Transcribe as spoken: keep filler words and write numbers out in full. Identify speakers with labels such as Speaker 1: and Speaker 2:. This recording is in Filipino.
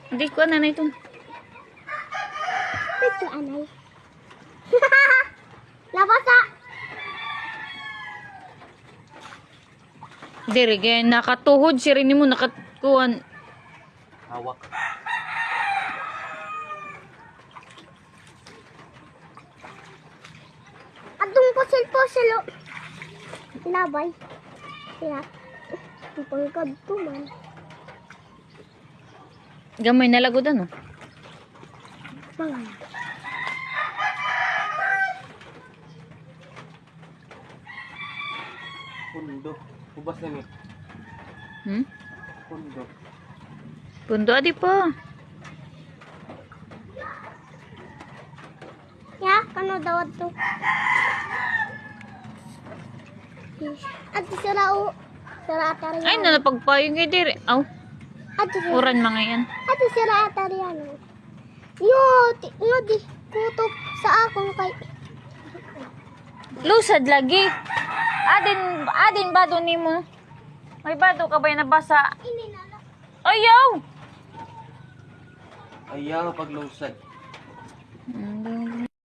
Speaker 1: Hindi ko na na ito.
Speaker 2: Ito anay. Labasa.
Speaker 1: Diri, kaya nakatuhod si rin mo, nakatuhan.
Speaker 3: Hawak.
Speaker 2: Atong pusil-pusil. Labay. Kaya. Ipangkad ko man.
Speaker 1: Gamay na lagodan, oh.
Speaker 2: Mga.
Speaker 3: Pundo. Ubas na ni.
Speaker 1: Hmm?
Speaker 3: Pundo.
Speaker 1: Pundo, adi pa.
Speaker 2: Ya, kano daw to? At sirao. Sira atari.
Speaker 1: Ay, nalapagpayong kay diri. Aw,
Speaker 2: At sira.
Speaker 1: uran mga yan.
Speaker 2: At sira atari ano. Yo, ti nga di kutok sa akong kay.
Speaker 1: Lusad lagi. Adin, adin bado nimo. May bado ka ba yung nabasa?
Speaker 2: Ini na lang.
Speaker 1: Ayaw!
Speaker 3: Ayaw paglusad.
Speaker 1: Hmm,